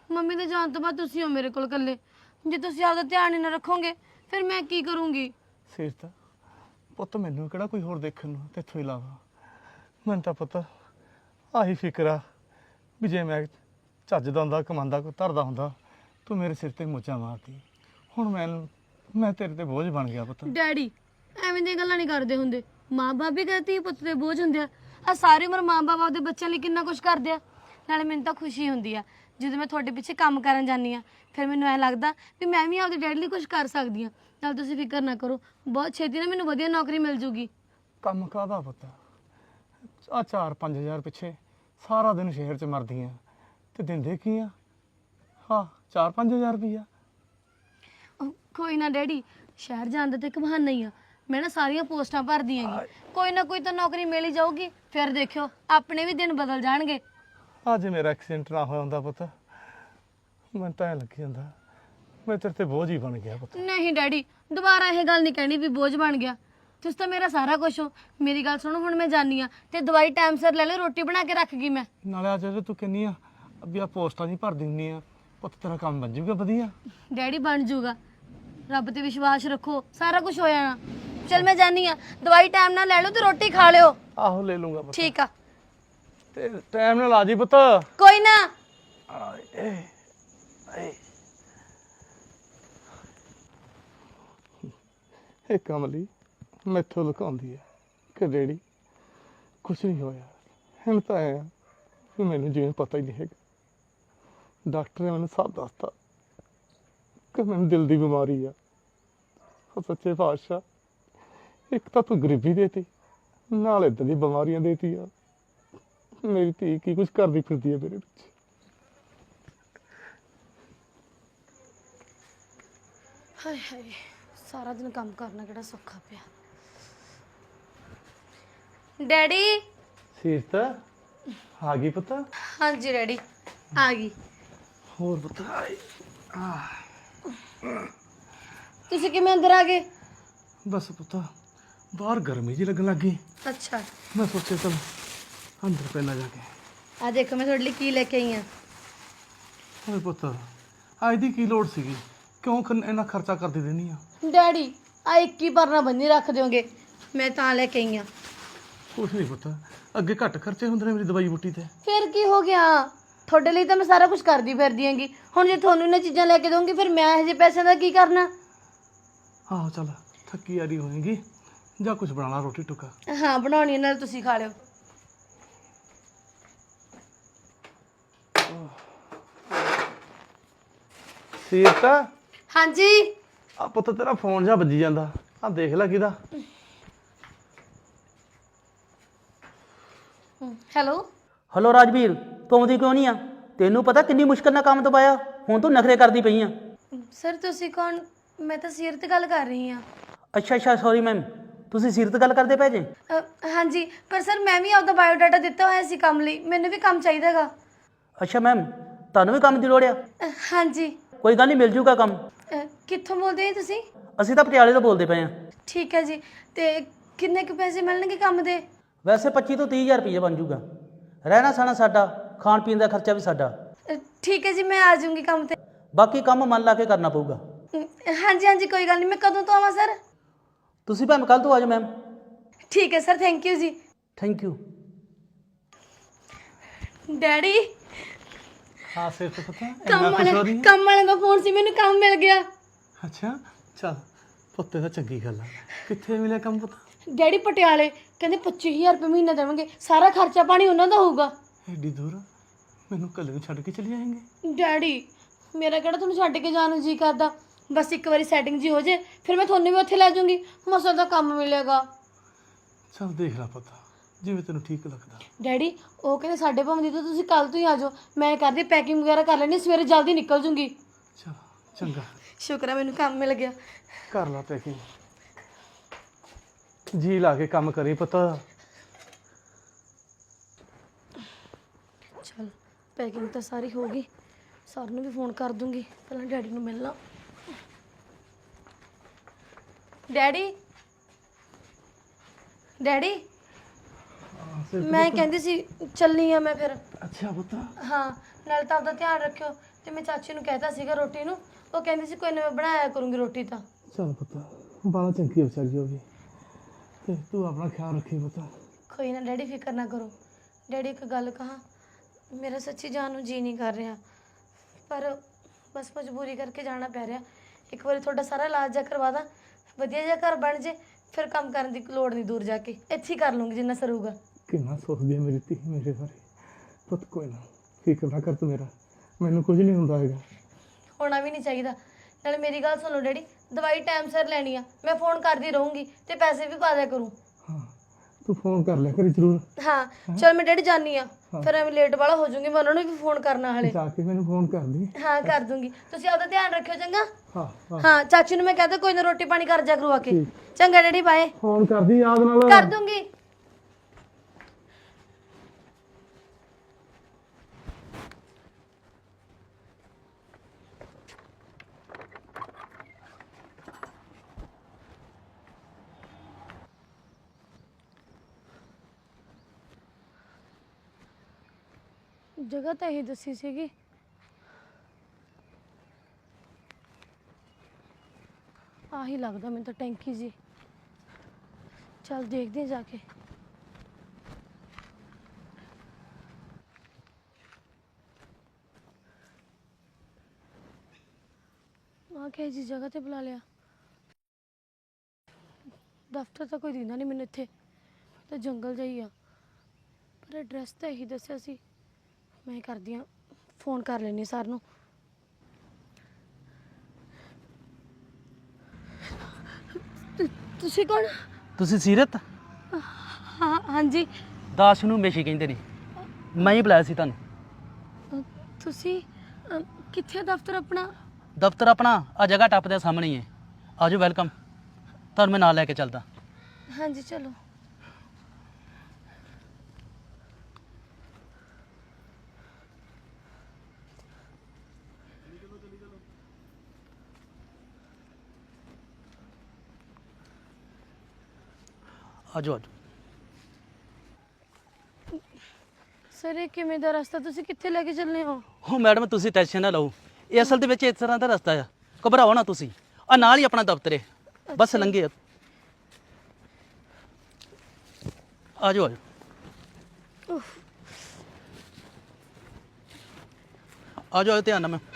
C: ਮੰਮੀ ਦੇ ਜਾਣ ਤੋਂ ਬਾਅਦ ਤੁਸੀਂ ਹੋ ਮੇਰੇ ਕੋਲ ਇਕੱਲੇ। ਜੇ ਤੁਸੀਂ ਆਪਦਾ ਧਿਆਨ ਹੀ ਨਾ ਰੱਖੋਗੇ ਫਿਰ ਮੈਂ ਕੀ ਕਰੂੰਗੀ?
B: ਸੀਰਤ ਪੁੱਤ ਮੈਨੂੰ ਕਿਹੜਾ ਕੋਈ ਹੋਰ ਦੇਖਣ ਨੂੰ ਤੇਥੋਂ ਇਲਾਵਾ। ਮੈਨੂੰ ਤਾਂ ਪੁੱਤ ਆਹੀ ਫਿਕਰ ਆ ਵੀ ਜੇ ਮੈਂ ਚੱਜ ਦਾ ਹੁੰਦਾ ਕਮਾਉਂਦਾ ਕੋਈ ਧਰਦਾ ਹੁੰਦਾ ਤੂੰ ਮੇਰੇ ਸਿਰ ਤੇ ਮੋਚਾ ਮਾਰਦੀ। ਹੁਣ ਮੈਂ ਮੈਂ ਤੇਰੇ ਤੇ ਬੋਝ ਬਣ ਗਿਆ ਪੁੱਤ।
C: ਡੈਡੀ ਐਵੇਂ ਦੀਆਂ ਗੱਲਾਂ ਨਹੀਂ ਕਰਦੇ ਹੁੰਦੇ। ਮਾਂ-ਬਾਪ ਵੀ ਕਹਤੇ ਪੁੱਤ ਦੇ ਬੋਝ ਹੁੰਦੇ ਆ। ਆ ਸਾਰੀ ਉਮਰ ਮਾਂ-ਬਾਪ ਆਪਦੇ ਬੱਚਿਆਂ ਲਈ ਕਿੰਨਾ ਕੁਝ ਕਰਦੇ ਆ। ਨਾਲੇ ਮੈਨੂੰ ਤਾਂ ਖੁਸ਼ੀ ਹੁੰਦੀ ਆ ਜਦੋਂ ਮੈਂ ਤੁਹਾਡੇ ਪਿੱਛੇ ਕੰਮ ਕਰਨ ਜਾਂਦੀ ਆ, ਫਿਰ ਮੈਨੂੰ ਐ ਲੱਗਦਾ ਵੀ ਮੈਂ ਵੀ ਆਪਦੇ ਡੈਡੀ ਲਈ ਕੁਝ ਕਰ ਸਕਦੀ ਆ। ਨਾਲ ਤੁਸੀਂ ਫਿਕਰ ਨਾ ਕਰੋ, ਬਹੁਤ ਛੇਤੀ ਨਾ ਮੈਨੂੰ ਵਧੀਆ ਨੌਕਰੀ ਮਿਲ ਜੂਗੀ।
B: ਕੰਮ ਕਾਹਦਾ ਪੁੱਤ? ਆ ਚਾਰ ਪੰਜ ਹਜ਼ਾਰ ਪਿੱਛੇ ਸਾਰਾ ਦਿਨ ਸ਼ਹਿਰ 'ਚ ਮਰਦੀ ਆ ਤੇ ਦਿੰਦੇ ਕੀ ਆ? ਹਾਂ ਚਾਰ ਪੰਜ ਹਜ਼ਾਰ ਰੁਪਈਆ।
C: ਉਹ ਕੋਈ ਨਾ ਡੈਡੀ, ਸ਼ਹਿਰ ਜਾਣ ਦਾ ਤੇ ਇੱਕ ਬਹਾਨਾ ਹੀ ਆ। ਮੈਂ ਨਾ ਸਾਰੀਆਂ ਪੋਸਟਾਂ ਭਰਦੀ ਆਂਗੀ, ਕੋਈ ਨਾ ਕੋਈ ਤਾਂ ਨੌਕਰੀ ਮਿਲ ਹੀ ਜਾਊਗੀ। ਫਿਰ ਦੇਖਿਓ ਆਪਣੇ ਵੀ ਦਿਨ ਬਦਲ ਜਾਣਗੇ।
B: ਅੱਜ ਮੇਰਾ ਐਕਸੀਡੈਂਟ ਨਾ ਹੋਇਆ ਹੁੰਦਾ ਪੁੱਤ ਮੈਨੂੰ ਤਾਂ ਐਂ ਲੱਗੀ ਜਾਂਦਾ ਮੈਂ ਤੇਰੇ ਤੇ ਬੋਝ ਹੀ ਬਣ ਗਿਆ ਪੁੱਤ।
C: ਨਹੀਂ ਡੈਡੀ, ਦੁਬਾਰਾ ਇਹ ਗੱਲ ਨਹੀਂ ਕਹਿਣੀ ਵੀ ਬੋਝ ਬਣ ਗਿਆ। ਤੁਸੀਂ ਤਾਂ ਮੇਰਾ ਸਾਰਾ ਕੁਝ ਹੋ। ਮੇਰੀ ਗੱਲ ਸੁਣੋ, ਹੁਣ ਮੈਂ ਜਾਨੀ ਆ ਤੇ ਦਵਾਈ ਟਾਈਮ ਸਿਰ ਲੈ ਲਿਓ, ਰੋਟੀ ਬਣਾ ਕੇ ਰੱਖ ਗਈ ਮੈਂ।
B: ਨਾਲੇ ਅੱਜ ਜੇ ਤੂੰ ਕਹਿੰਦੀ ਆ ਵੀ ਆ ਪੋਸਟਾਂ ਨਹੀਂ ਭਰ ਦਿੰਦੀ ਆ ਪੁੱਤ ਤੇਰਾ ਕੰਮ ਬਣ ਜਾਊਗਾ ਵਧੀਆ।
C: ਡੈਡੀ ਬਣ ਜੂਗਾ, ਰੱਬ ਤੇ ਵਿਸ਼ਵਾਸ ਰੱਖੋ, ਸਾਰਾ ਕੁਝ ਹੋ ਜਾਣਾ। ਚਲ ਮੈਂ ਜਾਨੀ ਆ, ਦਵਾਈ ਟਾਈਮ ਨਾਲ ਲੈ ਲਓ ਤੇ ਰੋਟੀ ਖਾ ਲਿਓ।
B: ਆਹੋ ਲੈ ਲੂੰਗਾ ਪੁੱਤ
C: ਠੀਕ ਆ,
B: ਤੇ ਟਾਈਮ ਨਾਲ ਆ ਜੀ ਪੁੱਤ।
C: ਕੋਈ ਨਾ।
B: ਇਹ ਕਮਲੀ ਮੈਥੋਂ ਲੁਕਾਉਂਦੀ ਹੈ ਕਿ ਡੈਡੀ ਕੁਛ ਨਹੀਂ ਹੋਇਆ। ਹੁਣ ਤਾਂ ਐਂ ਆ ਵੀ ਮੈਨੂੰ ਜਿਵੇਂ ਪਤਾ ਹੀ ਨਹੀਂ ਹੈਗਾ। ਡਾਕਟਰ ਨੇ ਮੈਨੂੰ ਸਭ ਦੱਸਤਾ ਕਿ ਮੈਨੂੰ ਦਿਲ ਦੀ ਬਿਮਾਰੀ ਆ। ਉਹ ਸੱਚੇ ਪਾਤਸ਼ਾਹ, ਇੱਕ ਤਾਂ ਤੂੰ ਗਰੀਬੀ ਦੇਤੀ ਨਾਲ ਏਦਾਂ ਦੀ ਬਿਮਾਰੀਆਂ ਦੇਤੀ ਆ। ਮੇਰੀ ਧੀ ਕੀ ਕੁਝ ਕਰਦੀ ਫਿਰਦੀ ਹੈ ਮੇਰੇ ਵਿੱਚ।
C: ਹਾਏ ਹਾਏ, ਸਾਰਾ ਦਿਨ ਕੰਮ ਕਰਨਾ ਕਿਹੜਾ ਸੌਖਾ ਪਿਆ। ਡੈਡੀ।
B: ਸੀਰਤ ਆ ਗਈ ਪੁੱਤ?
C: ਹਾਂਜੀ ਡੈਡੀ ਆ ਗਈ।
B: ਹੋਰ ਪੁੱਤ?
C: ਤੁਸੀਂ ਕਿਵੇਂ ਅੰਦਰ ਆ ਗਏ?
B: ਬਸ ਪੁੱਤ ਬਾਹਰ ਗਰਮੀ ਜੀ ਲੱਗਣ ਲੱਗ ਗਈ।
C: ਅੱਛਾ,
B: ਮੈਂ ਸੋਚਿਆ ਚਲ ਅੰਦਰ ਪਹਿਲਾਂ ਜਾ ਕੇ।
C: ਆ ਦੇਖੋ ਮੈਂ ਤੁਹਾਡੇ ਲਈ ਕੀ ਲੈ ਕੇ ਆਈ ਆ।
B: ਓਏ ਪੁੱਤ ਅੱਜ ਦੀ ਕੀ ਲੋੜ ਸੀਗੀ? ਕਿਉਂ ਖ- ਇੰਨਾ ਖਰਚਾ ਕਰਦੀ ਰਹਿੰਦੀ ਆ?
C: ਡੈਡੀ ਆ ਇੱਕ ਹੀ ਪਰਨਾ ਬੰਨੀ ਰੱਖ ਦਿਓਗੇ, ਮੈਂ ਤਾਂ ਲੈ ਕੇ ਆਈ ਆ।
B: ਕੁਛ ਨਹੀਂ ਪੁੱਤ, ਅੱਗੇ ਘੱਟ ਖਰਚੇ ਹੁੰਦੇ ਨੇ ਮੇਰੀ ਦਵਾਈ ਬੂਟੀ ਤੇ।
C: ਫਿਰ ਕੀ ਹੋ ਗਿਆ? ਤੁਹਾਡੇ ਲਈ ਤਾਂ ਮੈਂ ਸਾਰਾ ਕੁਝ ਕਰਦੀ ਫਿਰਦੀ ਆਂਗੀ। ਹੁਣ ਜੇ ਤੁਹਾਨੂੰ ਇਹਨਾਂ ਚੀਜ਼ਾਂ ਲੈ ਕੇ ਦਊਂਗੀ ਫਿਰ ਮੈਂ ਇਹੋ ਜਿਹੇ ਪੈਸਿਆਂ ਦਾ ਕੀ ਕਰਨਾ?
B: ਆਹੋ ਚੱਲ ਥੱਕੀ ਆਰੀ ਹੋਏਗੀ, ਜਾਂ ਕੁਝ ਬਣਾ ਲਾ ਰੋਟੀ ਟੁੱਕਾ।
C: ਹਾਂ ਬਣਾਉਣੀ, ਨਾਲ ਤੁਸੀਂ ਖਾ ਲਿਓ।
B: ਸੀਰਤ
C: ਹਾਂਜੀ।
B: ਆ ਪੁੱਤ ਤੇਰਾ ਫੋਨ ਜਾਂ ਵੱਜੀ ਜਾਂਦਾ, ਆ ਦੇਖ ਲੈ ਕਿਹਦਾ।
C: ਹੈਲੋ।
H: ਹਲੋ ਰਾਜਵੀਰ, ਤੂੰ ਆਉਂਦੀ ਕਿਉਂ ਨਹੀਂ ਆ? ਤੈਨੂੰ ਪਤਾ ਕਿੰਨੀ ਮੁਸ਼ਕਲ ਨਾਲ ਕੰਮ ਦਬਾਇਆ, ਹੁਣ ਤੂੰ ਨਖਰੇ ਕਰਦੀ ਪਈ ਆ।
C: ਸਰ ਤੁਸੀਂ ਕੌਣ? ਮੈਂ ਤਾਂ ਸੀਰਤ ਗੱਲ ਕਰ ਰਹੀ ਹਾਂ।
H: ਅੱਛਾ ਅੱਛਾ ਸੌਰੀ ਮੈਮ, ਤੁਸੀਂ ਸੀਰਤ ਗੱਲ ਕਰਦੇ ਪਏ ਜੇ?
C: ਅ, ਹਾਂਜੀ, ਪਰ ਸਰ ਮੈਂ ਵੀ ਆਪਦਾ ਬਾਇਓਡਾਟਾ ਦਿੱਤਾ ਹੋਇਆ ਸੀ ਕੰਮ ਲਈ, ਮੈਨੂੰ ਵੀ ਕੰਮ ਚਾਹੀਦਾ ਹੈਗਾ।
H: ਅੱਛਾ ਮੈਮ, ਤੁਹਾਨੂੰ ਵੀ ਕੰਮ ਦੀ ਲੋੜ ਆ?
C: ਅ, ਹਾਂਜੀ।
H: ਕੋਈ ਗੱਲ ਨਹੀਂ, ਮਿਲ ਜੂਗਾ ਕੰਮ।
C: ਅ, ਕਿੱਥੋਂ ਬੋਲਦੇ ਹੋ ਤੁਸੀਂ?
H: ਅਸੀਂ ਤਾਂ ਪਟਿਆਲੇ ਤੋਂ ਬੋਲਦੇ ਪਏ ਆ।
C: ਠੀਕ ਹੈ ਜੀ, ਤੇ ਕਿੰਨੇ ਕੁ ਪੈਸੇ ਮਿਲਣਗੇ ਕੰਮ ਦੇ?
H: ਵੈਸੇ ਪੱਚੀ ਤੋਂ ਤੀਹ ਹਜ਼ਾਰ ਰੁਪਏ ਬਣ ਜੂਗਾ। ਰਹਿਣਾ ਸਹਿਣਾ ਸਾਡਾ, ਖਾਣ ਪੀਣ ਦਾ ਖਰਚਾ ਵੀ ਸਾਡਾ।
C: ਅ, ਠੀਕ ਹੈ ਜੀ, ਮੈਂ ਆ ਜਾਊਂਗੀ ਕੰਮ ਤੇ।
H: ਬਾਕੀ ਕੰਮ ਮਨ ਲਾ ਕੇ ਕਰਨਾ ਪਊਗਾ।
C: ਅ, ਹਾਂਜੀ ਹਾਂਜੀ ਕੋਈ ਗੱਲ ਨਹੀਂ। ਮੈਂ ਕਦੋਂ ਤੋਂ ਆਵਾਂ ਸਰ?
H: ਤੁਸੀਂ ਭਾਵੇਂ ਕੱਲ੍ਹ ਤੋਂ ਆ ਜਾਓ ਮੈਮ।
C: ਠੀਕ ਹੈ ਸਰ, ਥੈਂਕ ਯੂ ਜੀ।
H: Thank you.
C: ਡੈਡੀ
B: ਹਾਂ ਸੀਰਤ ਪੁੱਤ
C: ਕੰਮ
B: ਇੰਨਾ ਕੁਛ ਹੋ
C: ਵਾਲੇ
B: ਰਹੀ ਹੈ?
C: ਕੰਮ ਵਾਲੇ ਦਾ ਫੋਨ ਸੀ, ਮੈਨੂੰ ਕੰਮ ਮਿਲ ਗਿਆ।
B: ਅੱਛਾ ਚੱਲ ਪੁੱਤ, ਤਾਂ ਚੰਗੀ ਗੱਲ ਆ। ਕਿੱਥੇ ਮਿਲਿਆ ਕੰਮ ਪੁੱਤ?
C: ਡੈਡੀ ਪਟਿਆਲੇ, ਕਹਿੰਦੇ ਪੱਚੀ ਹਜ਼ਾਰ ਰੁਪਏ ਮਹੀਨਾ ਦੇਵਾਂਗੇ, ਸਾਰਾ ਖਰਚਾ ਪਾਣੀ ਉਹਨਾਂ ਦਾ ਹੋਊਗਾ।
B: ਐਡੀ ਦੂਰ ਮੈਨੂੰ ਇਕੱਲੇ ਨੂੰ ਛੱਡ ਕੇ ਚਲੇ ਜਾਏਂਗੇ?
C: ਡੈਡੀ ਮੇਰਾ ਕਿਹੜਾ ਤੁਹਾਨੂੰ ਛੱਡ ਕੇ ਜਾਣ ਨੂੰ ਜੀ ਕਰਦਾ, ਬਸ ਇੱਕ ਵਾਰੀ ਸੈਟਿੰਗ ਜੀ ਹੋ ਜੇ ਫਿਰ ਮੈਂ ਤੁਹਾਨੂੰ ਵੀ ਉੱਥੇ ਲੈ ਜਾਊਂਗੀ, ਮਸਾ ਦਾ ਕੰਮ ਮਿਲੇਗਾ।
B: ਚੱਲ ਦੇਖ ਲੈ ਪੁੱਤ, ਜਿਵੇਂ ਤੈਨੂੰ ਠੀਕ ਲੱਗਦਾ।
C: ਡੈਡੀ ਉਹ ਕਹਿੰਦੇ ਸਾਡੇ ਭਾਵੇਂ ਦੀ ਤਾਂ ਤੁਸੀਂ ਕੱਲ ਤੋਂ ਹੀ ਆ ਜਾਓ, ਮੈਂ ਕਰਦੀ ਪੈਕਿੰਗ ਵਗੈਰਾ ਕਰ ਲੈਣੀ, ਸਵੇਰੇ ਜਲਦੀ ਨਿਕਲ ਜੂੰਗੀ।
B: ਚਲ ਚੰਗਾ,
C: ਸ਼ੁਕਰ ਹੈ ਮੈਨੂੰ ਕੰਮ ਮਿਲ ਗਿਆ।
B: ਕਰ ਲਾ ਪੈਕਿੰਗ, ਜੀ ਲਾ ਕੇ ਕੰਮ ਕਰੀ ਪੁੱਤ।
C: ਚਲ ਪੈਕਿੰਗ ਤਾਂ ਸਾਰੀ ਹੋ ਗਈ, ਸਰ ਨੂੰ ਵੀ ਫੋਨ ਕਰ ਦੂੰਗੀ, ਪਹਿਲਾਂ ਡੈਡੀ ਨੂੰ ਮਿਲਣਾ। ਡੈਡੀ ਡੈਡੀ ਮੈਂ ਕਹਿੰਦੀ ਸੀ ਚੱਲਨੀ ਆ ਮੈਂ ਫਿਰ।
B: ਅੱਛਾ ਪੁੱਤ।
C: ਹਾਂ ਨਾਲ ਤਾਂ ਆਪਦਾ ਧਿਆਨ ਰੱਖਿਓ, ਤੇ ਮੈਂ ਚਾਚੀ ਨੂੰ ਕਹਿਤਾ ਸੀਗਾ ਰੋਟੀ ਨੂੰ, ਉਹ ਕਹਿੰਦੀ ਸੀ ਕੋਈ ਨਾ ਮੈਂ ਬਣਾਇਆ ਕਰੂੰਗੀ ਰੋਟੀ ਤਾਂ।
B: ਚੱਲ ਪੁੱਤ, ਬਾਲਾ ਚੰਗੀ ਵਿਚਾਰੀ ਹੋ ਗਈ ਤੇ ਤੂੰ ਆਪਣਾ ਖਿਆਲ ਰੱਖੀ ਪੁੱਤ।
C: ਕੋਈ ਨਾ ਡੈਡੀ, ਫਿਕਰ ਨਾ ਕਰੋ। ਡੈਡੀ ਇੱਕ ਗੱਲ ਕਹਾਂ, ਮੇਰਾ ਸੱਚੀ ਜਾਣ ਨੂੰ ਜੀ ਨਹੀਂ ਕਰ ਰਿਹਾ, ਪਰ ਬਸ ਮਜਬੂਰੀ ਕਰਕੇ ਜਾਣਾ ਪੈ ਰਿਹਾ। ਇੱਕ ਵਾਰੀ ਤੁਹਾਡਾ ਸਾਰਾ ਇਲਾਜ ਜਾ ਕਰਵਾ ਦਾਂ, ਵਧੀਆ ਜਿਹਾ ਘਰ ਬਣ ਜੇ, ਫਿਰ ਕੰਮ ਕਰਨ ਦੀ ਲੋੜ ਨਹੀਂ ਦੂਰ ਜਾ ਕੇ, ਇੱਥੇ ਹੀ ਕਰ ਲੂੰਗੀ ਜਿੰਨਾ ਸਰੂਗਾ।
B: ਕਿੰਨਾ ਸੋਚਦੀ ਹੈ ਮੇਰੀ ਧੀ ਮੇਰੇ ਬਾਰੇ। ਪੁੱਤ ਕੋਈ ਨਾ, ਫਿਕਰ ਨਾ ਕਰ ਤੂੰ ਮੇਰਾ, ਮੈਨੂੰ ਕੁਝ ਨਹੀਂ ਹੁੰਦਾ ਹੈਗਾ।
C: ਹੋਣਾ ਵੀ ਨਹੀਂ ਚਾਹੀਦਾ। ਨਾਲੇ ਮੇਰੀ ਗੱਲ ਸੁਣੋ ਡੈਡੀ, ਦਵਾਈ ਟਾਈਮ ਸਿਰ ਲੈਣੀ ਆ, ਮੈਂ ਫੋਨ ਕਰਦੀ ਰਹੂੰਗੀ ਤੇ ਪੈਸੇ ਵੀ ਪਾ ਦਿਆ ਕਰੂੰ।
B: ਹਾਂ ਤੂੰ ਫੋਨ ਕਰ ਲਿਆ ਕਰੀ ਜ਼ਰੂਰ।
C: ਹਾਂ ਚਲ ਮੈਂ ਡੈਡੀ ਜਾਨੀ ਆ, ਫਿਰ ਐਵੇਂ ਲੇਟ ਵਾਲਾ ਹੋ ਜਾਊਂਗੀ, ਮੈਂ ਉਹਨਾਂ ਨੂੰ ਵੀ ਫੋਨ ਕਰਨਾ ਹਲੇ।
B: ਜਾ ਕੇ ਮੈਨੂੰ ਫੋਨ ਕਰ ਦੀ।
C: ਹਾਂ ਕਰ ਦੂੰਗੀ, ਤੁਸੀਂ ਆਪਦਾ ਧਿਆਨ ਰੱਖਿਓ ਚੰਗਾ।
B: ਹਾਂ ਹਾਂ
C: ਹਾਂ ਚਾਚੀ ਨੂੰ ਮੈਂ ਕਹਤਾ ਕੋਈ ਨਾ ਰੋਟੀ ਪਾਣੀ ਕਰ ਜਾ ਕਰੂ ਆ ਕੇ। ਚੰਗਾ ਡੈਡੀ, ਬਾਏ।
B: ਫੋਨ ਕਰਦੀ ਯਾਦ ਨਾਲ।
C: ਕਰ ਦੂੰਗੀ। ਜਗ੍ਹਾ ਤਾਂ ਇਹੀ ਦੱਸੀ ਸੀਗੀ। ਆਹੀ ਲੱਗਦਾ ਮੈਨੂੰ ਤਾਂ ਟੈਂਕੀ ਜੀ। ਚੱਲ ਦੇਖਦੇ ਹਾਂ ਜਾ ਕੇ। ਆ ਕੇ ਜੀ ਜਗ੍ਹਾ ਤੇ ਬੁਲਾ ਲਿਆ। ਦਫ਼ਤਰ ਤਾਂ ਕੋਈ ਦਿੰਦਾ ਨਹੀਂ ਮੈਨੂੰ ਇੱਥੇ, ਤਾਂ ਜੰਗਲ ਜਿਹਾ ਹੀ ਆ, ਪਰ ਐਡਰੈਸ ਤਾਂ ਇਹੀ ਦੱਸਿਆ ਸੀ। ਮੈਂ ਕਰਦੀ ਹਾਂ, ਫੋਨ ਕਰ ਲੈਂਦੀ ਸਰ ਨੂੰ। ਤੁ- ਤੁਸੀਂ ਕੌਣ?
H: ਤੁਸੀਂ ਸੀਰਤ?
C: ਹਾਂ ਹਾਂਜੀ।
H: ਦਾਸ ਨੂੰ ਮੇਸ਼ੀ ਕਹਿੰਦੇ ਨੇ, ਮੈਂ ਹੀ ਬੁਲਾਇਆ ਸੀ ਤੁਹਾਨੂੰ।
C: ਅ, ਤੁਸੀਂ ਅ, ਕਿੱਥੇ ਆ ਦਫ਼ਤਰ ਆਪਣਾ?
H: ਦਫ਼ਤਰ ਆਪਣਾ ਆ ਜਗ੍ਹਾ ਟੱਪ ਦੇ ਸਾਹਮਣੇ ਹੀ ਹੈ। ਆਜੋ, ਵੈਲਕਮ। ਤੁਹਾਨੂੰ ਮੈਂ ਨਾਲ ਲੈ ਕੇ ਚੱਲਦਾ।
C: ਹਾਂਜੀ ਚਲੋ।
H: ਆਜੋ ਆਜੋ।
C: ਸਰ ਇਹ ਕਿਵੇਂ ਦਾ ਰਸਤਾ, ਤੁਸੀਂ ਕਿੱਥੇ ਲੈ ਕੇ ਚੱਲੇ ਹੋ?
H: ਹੋ ਮੈਡਮ, ਤੁਸੀਂ ਟੈਨਸ਼ਨ ਨਾ ਲਓ, ਇਹ ਅਸਲ ਦੇ ਵਿੱਚ ਇਸ ਤਰ੍ਹਾਂ ਦਾ ਰਸਤਾ ਆ, ਘਬਰਾਓ ਨਾ ਤੁਸੀਂ। ਆ ਨਾਲ ਹੀ ਆਪਣਾ ਦਫ਼ਤਰ ਹੈ, ਬਸ ਲੰਘੇ। ਆਜੋ ਆਜੋ। ਆਜੋ ਆਜੋ, ਧਿਆਨ ਨਾਲ। ਮੈਂ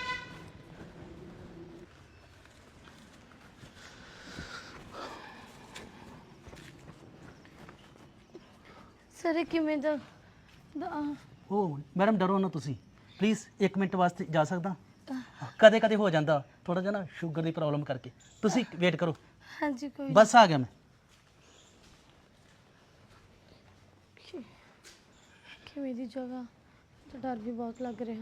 C: ਸਰ ਇਹ ਕਿਵੇਂ ਦਾ ਦਾ-
H: ਉਹ ਮੈਡਮ ਡਰੋ ਨਾ ਤੁਸੀਂ, ਪਲੀਜ਼ ਇੱਕ ਮਿੰਟ ਵਾਸਤੇ ਜਾ ਸਕਦਾ? ਕਦੇ ਕਦੇ ਹੋ ਜਾਂਦਾ ਥੋੜਾ ਜਿਹਾ ਨਾ, ਸ਼ੂਗਰ ਦੀ ਪ੍ਰੋਬਲਮ ਕਰਕੇ। ਤੁਸੀਂ ਵੇਟ ਕਰੋ,
C: ਹਾਂਜੀ ਕੋਈ
H: ਬਸ ਆ ਗਿਆ ਮੈਂ।
C: ਕਿ- ਕਿਵੇਂ ਦੀ ਜਗ੍ਹਾ, ਤਾਂ ਡਰ ਵੀ ਬਹੁਤ ਲੱਗ ਰਿਹਾ।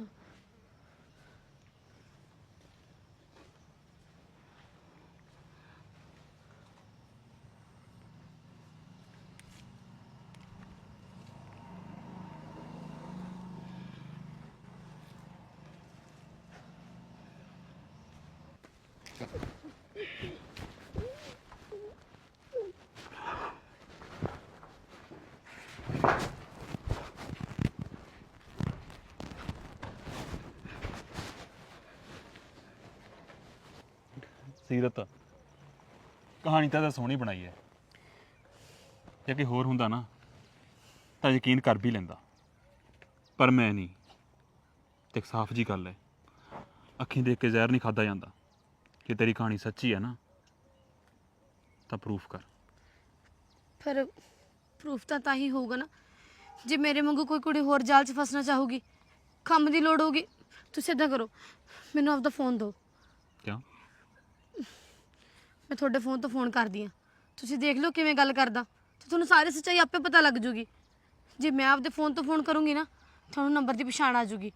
F: ਸੀਰਤ, ਕਹਾਣੀ ਤਾਂ ਤਾਂ ਸੋਹਣੀ ਬਣਾਈ ਹੈ, ਜੇ ਕਿ ਹੋਰ ਹੁੰਦਾ ਨਾ ਤਾਂ ਯਕੀਨ ਕਰ ਵੀ ਲੈਂਦਾ, ਪਰ ਮੈਂ ਨਹੀਂ। ਤੇ ਸਾਫ਼ ਜੀ ਗੱਲ ਹੈ, ਅੱਖੀਂ ਦੇਖ ਕੇ ਜ਼ਹਿਰ ਨਹੀਂ ਖਾਦਾ ਜਾਂਦਾ। ਕਿ ਤੇਰੀ ਕਹਾਣੀ ਸੱਚੀ ਹੈ ਨਾ, ਤਾਂ ਪ੍ਰੂਫ ਕਰ।
C: ਫਿਰ ਪ੍ਰੂਫ ਤਾਂ ਤਾਂ ਹੀ ਹੋਊਗਾ ਨਾ, ਜੇ ਮੇਰੇ ਵਾਂਗੂ ਕੋਈ ਕੁੜੀ ਹੋਰ ਜਾਲ 'ਚ ਫਸਣਾ ਚਾਹੂਗੀ, ਕੰਮ ਦੀ ਲੋੜ ਹੋਊਗੀ। ਤੁਸੀਂ ਇੱਦਾਂ ਕਰੋ, ਮੈਨੂੰ ਆਪਦਾ ਫੋਨ ਦਿਓ।
F: ਕਿਉਂ?
C: ਮੈਂ ਤੁਹਾਡੇ ਫੋਨ ਤੋਂ ਫੋਨ ਕਰਦੀ ਹਾਂ, ਤੁਸੀਂ ਦੇਖ ਲਓ ਕਿਵੇਂ ਗੱਲ ਕਰਦਾ, ਤੇ ਤੁਹਾਨੂੰ ਸਾਰੀ ਸੱਚਾਈ ਆਪੇ ਪਤਾ ਲੱਗ ਜੂਗੀ। ਜੇ ਮੈਂ ਆਪਦੇ ਫੋਨ ਤੋਂ ਫੋਨ ਕਰੂੰਗੀ ਨਾ, ਤੁਹਾਨੂੰ ਨੰਬਰ ਦੀ ਪਛਾਣ ਆ ਜੂਗੀ।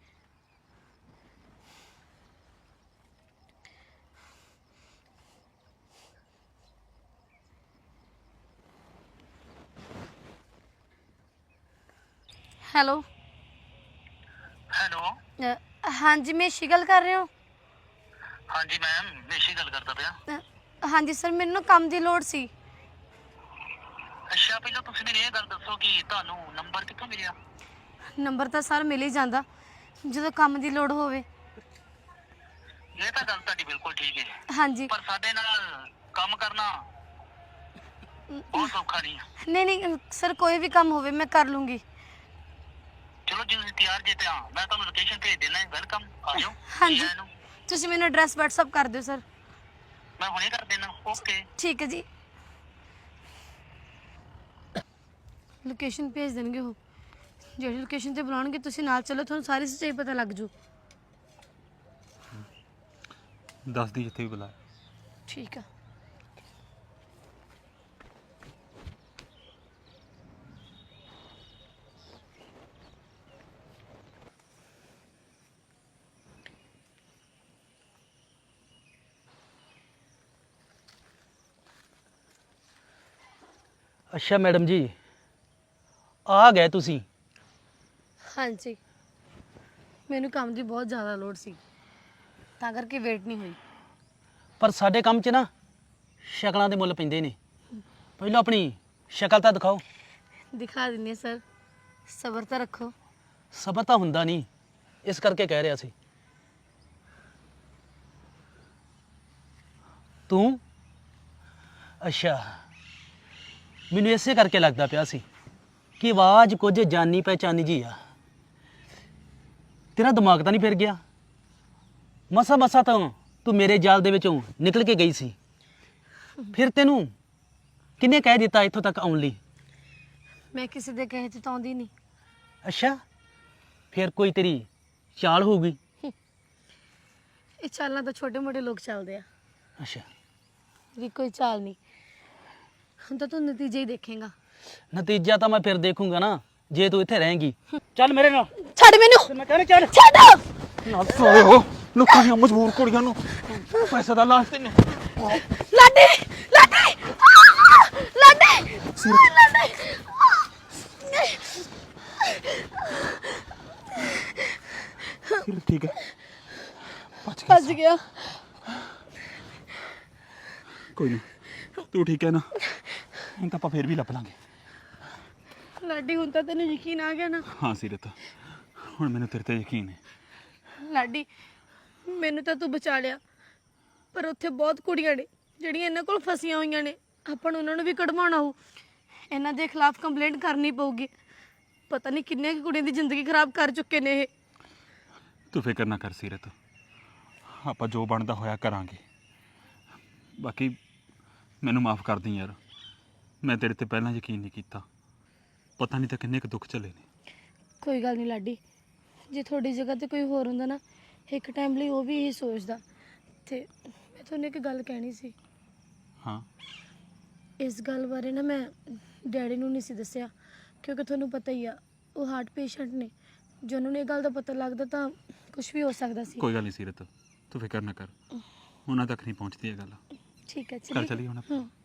C: Hello
I: hello.
C: ਹਾਂਜੀ ਮੇਸ਼ੀ ਗੱਲ ਕਰ ਰਹੇ ਹੋ?
I: ਹਾਂਜੀ ਮੈਮ, ਮੇਸ਼ੀ ਗੱਲ ਕਰਦਾ ਪਿਆ।
C: ਅ, ਹਾਂਜੀ ਸਰ, ਮੈਨੂੰ ਨਾ ਕੰਮ ਦੀ ਲੋੜ ਸੀ।
I: ਅੱਛਾ, ਪਹਿਲਾਂ ਤੁਸੀਂ ਮੈਨੂੰ ਇਹ ਗੱਲ ਦੱਸੋ ਕਿ ਤੁਹਾਨੂੰ ਨੰਬਰ ਕਿੱਥੋਂ ਮਿਲਿਆ?
C: ਨੰਬਰ ਤਾਂ ਸਰ ਮਿਲ ਹੀ ਜਾਂਦਾ ਜਦੋਂ ਕੰਮ ਦੀ ਲੋੜ ਹੋਵੇ।
I: ਇਹ ਤਾਂ ਗੱਲ ਤੁਹਾਡੀ ਬਿਲਕੁਲ ਠੀਕ ਹੈ,
C: ਹਾਂਜੀ
I: ਪਰ ਸਾਡੇ ਨਾਲ ਕੰਮ ਕਰਨਾ ਬਹੁਤ ਸੌਖਾ ਨਹੀਂ ਹੈ।
C: ਨਹੀਂ ਨਹੀਂ ਸਰ, ਕੋਈ ਵੀ ਕੰਮ ਹੋਵੇ ਮੈਂ ਕਰ ਲੂੰਗੀ।
I: ਚਲੋ ਜੇ ਤੁਸੀਂ ਤਿਆਰ ਜੇ ਤਾਂ ਮੈਂ ਤੁਹਾਨੂੰ ਲੋਕੇਸ਼ਨ ਭੇਜ ਦੇਣਾ, ਵੈਲਕਮ, ਆ ਜਾਓ।
C: ਹਾਂਜੀ
I: ਜੀ ਆਇਆਂ ਨੂੰ।
C: ਤੁਸੀਂ ਮੈਨੂੰ ਐਡਰੈਸ WhatsApp ਕਰ ਦਿਓ ਸਰ।
I: ਮੈਂ ਹੁਣੇ ਕਰ ਦੇਣਾ। ਓਕੇ।
C: ਠੀਕ ਹੈ ਜੀ। ਲੋਕੇਸ਼ਨ ਭੇਜ ਦੇਣਗੇ ਉਹ, ਜਿਹੜੀ ਲੋਕੇਸ਼ਨ ਤੇ ਬੁਲਾਉਣਗੇ ਤੁਸੀਂ ਨਾਲ ਚੱਲੋ, ਤੁਹਾਨੂੰ ਸਾਰੀ ਸੱਚਾਈ ਪਤਾ ਲੱਗ ਜੂ।
F: ਦੱਸ ਦੀ ਜਿੱਥੇ ਵੀ ਬੁਲਾਇਆ।
C: ਠੀਕ ਆ।
H: ਅੱਛਾ ਮੈਡਮ ਜੀ, ਆ ਗਏ ਤੁਸੀਂ।
C: ਹਾਂਜੀ, ਮੈਨੂੰ ਕੰਮ ਦੀ ਬਹੁਤ ਜ਼ਿਆਦਾ ਲੋੜ ਸੀ, ਤਾਂ ਕਰਕੇ ਵੇਟ ਨਹੀਂ ਹੋਈ।
H: ਪਰ ਸਾਡੇ ਕੰਮ 'ਚ ਨਾ ਸ਼ਕਲਾਂ ਦੇ ਮੁੱਲ ਪੈਂਦੇ ਨੇ। ਪਹਿਲਾਂ ਆਪਣੀ ਸ਼ਕਲ ਤਾਂ ਦਿਖਾਓ।
C: ਦਿਖਾ ਦਿੰਨੀ ਹਾਂ ਸਰ, ਸਬਰ ਤਾਂ ਰੱਖੋ।
H: ਸਬਰ ਤਾਂ ਹੁੰਦਾ ਨਹੀਂ, ਇਸ ਕਰਕੇ ਕਹਿ ਰਿਹਾ ਸੀ। ਤੂੰ ਅੱਛਾ, ਮੈਨੂੰ ਇਸੇ ਕਰਕੇ ਲੱਗਦਾ ਪਿਆ ਸੀ ਕਿ ਆਵਾਜ਼ ਕੁਝ ਜਾਨੀ ਪਹਿਚਾਨੀ ਜੀ ਆ। ਤੇਰਾ ਦਿਮਾਗ ਤਾਂ ਨਹੀਂ ਫਿਰ ਗਿਆ? ਮਸਾ ਮਸਾ ਤਾਂ ਤੂੰ ਮੇਰੇ ਜਾਲ ਦੇ ਵਿੱਚੋਂ ਨਿਕਲ ਕੇ ਗਈ ਸੀ, ਫਿਰ ਤੈਨੂੰ ਕਿਹਨੇ ਕਹਿ ਦਿੱਤਾ ਇੱਥੋਂ ਤੱਕ ਆਉਣ ਲਈ?
C: ਮੈਂ ਕਿਸੇ ਦੇ ਕਹੇ ਤੇ ਤਾਂ ਆਉਂਦੀ ਨਹੀਂ।
H: ਅੱਛਾ, ਫਿਰ ਕੋਈ ਤੇਰੀ ਚਾਲ ਹੋਊਗੀ।
C: ਇਹ ਚਾਲਾਂ ਤਾਂ ਛੋਟੇ ਮੋਟੇ ਲੋਕ ਚੱਲਦੇ ਆ,
H: ਅੱਛਾ,
C: ਵੀ ਕੋਈ ਚਾਲ ਨਹੀਂ। ਹੁਣ ਤਾਂ ਤੂੰ ਨਤੀਜੇ ਹੀ ਦੇਖੇਗਾ।
H: ਨਤੀਜਾ ਤਾਂ ਮੈਂ ਫਿਰ ਦੇਖੂੰਗਾ ਨਾ, ਜੇ ਤੂੰ ਇੱਥੇ ਰਹੇਂਗੀ। ਚੱਲ ਮੇਰੇ ਨਾਲ।
C: ਛੱਡ ਮੈਨੂੰ,
H: ਮੈਂ ਕਹਿੰਦਾ ਚੱਲ।
C: ਛੱਡ।
F: ਨਾ ਸੋਏ ਹੋ ਲੋਕਾਂ ਦੀਆਂ ਮਜਬੂਰ ਕੁੜੀਆਂ ਨੂੰ ਪੈਸੇ ਦਾ ਲਾਲਚ ਤੈਨੂੰ।
C: ਲਾਡੀ, ਲਾਡੀ, ਆਹ! ਲਾਡੀ, ਆਹ, ਲਾਡੀ।
F: ਠੀਕ ਹੈ, ਬਚ ਗਿਆ।
C: ਭੱਜ ਗਿਆ।
F: ਕੋਈ ਨਹੀਂ, ਤੂੰ ਠੀਕ ਹੈ ਨਾ? ਹੁਣ ਤਾਂ ਆਪਾਂ ਫੇਰ ਵੀ ਲੱਭ ਲਾਂਗੇ।
C: ਲਾਡੀ, ਹੁਣ ਤਾਂ ਤੈਨੂੰ ਯਕੀਨ ਆ ਗਿਆ ਨਾ?
F: ਹਾਂ ਸੀਰਤ, ਹੁਣ ਮੈਨੂੰ ਤੇਰੇ ਤੇ ਯਕੀਨ ਹੈ।
C: ਲਾਡੀ, ਮੈਨੂੰ ਤਾਂ ਤੂੰ ਬਚਾ ਲਿਆ, ਪਰ ਉੱਥੇ ਬਹੁਤ ਕੁੜੀਆਂ ਨੇ ਜਿਹੜੀਆਂ ਇਹਨਾਂ ਕੋਲ ਫਸੀਆਂ ਹੋਈਆਂ ਨੇ। ਆਪਾਂ ਨੂੰ ਉਹਨਾਂ ਨੂੰ ਵੀ ਕਢਵਾਉਣਾ ਹੋਊ। ਇਹਨਾਂ ਦੇ ਖਿਲਾਫ ਕੰਪਲੇਂਟ ਕਰਨੀ ਪਊਗੀ। ਪਤਾ ਨਹੀਂ ਕਿੰਨੀਆਂ ਕੁ ਕੁੜੀਆਂ ਦੀ ਜ਼ਿੰਦਗੀ ਖਰਾਬ ਕਰ ਚੁੱਕੇ ਨੇ ਇਹ।
F: ਤੂੰ ਫਿਕਰ ਨਾ ਕਰ ਸੀਰਤ, ਆਪਾਂ ਜੋ ਬਣਦਾ ਹੋਇਆ ਕਰਾਂਗੇ। ਬਾਕੀ ਮੈਨੂੰ ਮਾਫ ਕਰ ਦੀ ਯਾਰ, ਮੈਂ ਤੇਰੇ ਤੇ ਪਹਿਲਾਂ ਯਕੀਨ ਨਹੀਂ ਕੀਤਾ। ਪਤਾ ਨਹੀਂ ਤਾਂ ਕਿੰਨੇ ਕੁ ਦੁੱਖ ਝੱਲੇ ਨੇ।
C: ਕੋਈ ਗੱਲ ਨਹੀਂ ਲਾਡੀ, ਜੇ ਤੁਹਾਡੀ ਜਗ੍ਹਾ ਤੇ ਕੋਈ ਹੋਰ ਹੁੰਦਾ ਨਾ, ਇੱਕ ਟਾਈਮ ਲਈ ਉਹ ਵੀ ਇਹੀ ਸੋਚਦਾ। ਤੇ ਮੈਂ ਤੁਹਾਨੂੰ ਇੱਕ ਗੱਲ ਕਹਿਣੀ ਸੀ।
F: ਹਾਂ,
C: ਇਸ ਗੱਲ ਬਾਰੇ ਨਾ ਮੈਂ ਡੈਡੀ ਨੂੰ ਨਹੀਂ ਸੀ ਦੱਸਿਆ, ਕਿਉਂਕਿ ਤੁਹਾਨੂੰ ਪਤਾ ਹੀ ਆ ਉਹ ਹਾਰਟ ਪੇਸ਼ੈਂਟ ਨੇ। ਜੇ ਉਹਨਾਂ ਨੂੰ ਇਹ ਗੱਲ ਦਾ ਪਤਾ ਲੱਗਦਾ ਤਾਂ ਕੁਝ ਵੀ ਹੋ ਸਕਦਾ ਸੀ।
F: ਕੋਈ ਗੱਲ ਨਹੀਂ ਸੀਰਤ, ਤੂੰ ਫਿਕਰ ਨਾ ਕਰ, ਉਹਨਾਂ ਤੱਕ ਨਹੀਂ ਪਹੁੰਚਦੀ ਇਹ ਗੱਲ।
C: ਠੀਕ ਹੈ,
F: ਚੱਲ
C: ਚਲੀਏ।
F: ਚਲੀਏ ਹੁਣ ਆਪਾਂ।
C: ਹੂੰ।